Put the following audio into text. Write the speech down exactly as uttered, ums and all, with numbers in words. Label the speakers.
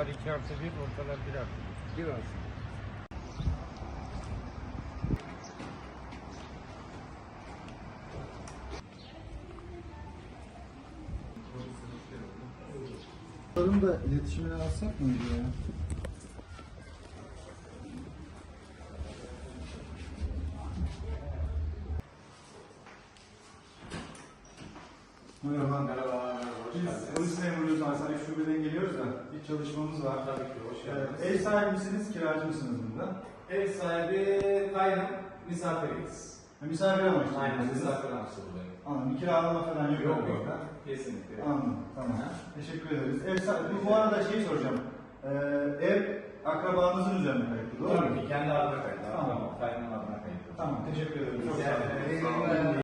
Speaker 1: Bunlar iki artı bir, ortalar bir artı bir.
Speaker 2: Bir artı.
Speaker 3: Bunların da iletişimini alsak mıydı ya? Merhaba.
Speaker 4: Merhaba, hoş
Speaker 3: Biz
Speaker 4: geldiniz.
Speaker 3: polis memuruyuz, Hasan Şube'den geliyoruz da bir çalışmamız var.
Speaker 4: Tabii ki, hoş geldiniz.
Speaker 3: Ee, ev sahibi misiniz, kiracı mısınız burada?
Speaker 4: Ev sahibi kaynım, misafiriyiz.
Speaker 3: Ha, misafir amaçlı.
Speaker 4: Aynen,
Speaker 3: mısınız?
Speaker 4: misafir amaçlı buradayım.
Speaker 3: Anladım, bir kiralama falan yok.
Speaker 4: Yok
Speaker 3: burada.
Speaker 4: yok, kesinlikle.
Speaker 3: Anladım, tamam. Teşekkür ederiz. Ev sahibi, bu arada şey soracağım. Ee, ev akrabanızın üzerine kayıtlı, doğru mu?
Speaker 4: Tabii ki, kendi adına kayıtlı.
Speaker 3: Tamam.
Speaker 4: Tamam, kaynım adına kayıtlı.
Speaker 3: Tamam, teşekkür ederim. Çok
Speaker 4: Rica
Speaker 3: sağ olun.
Speaker 4: ederim.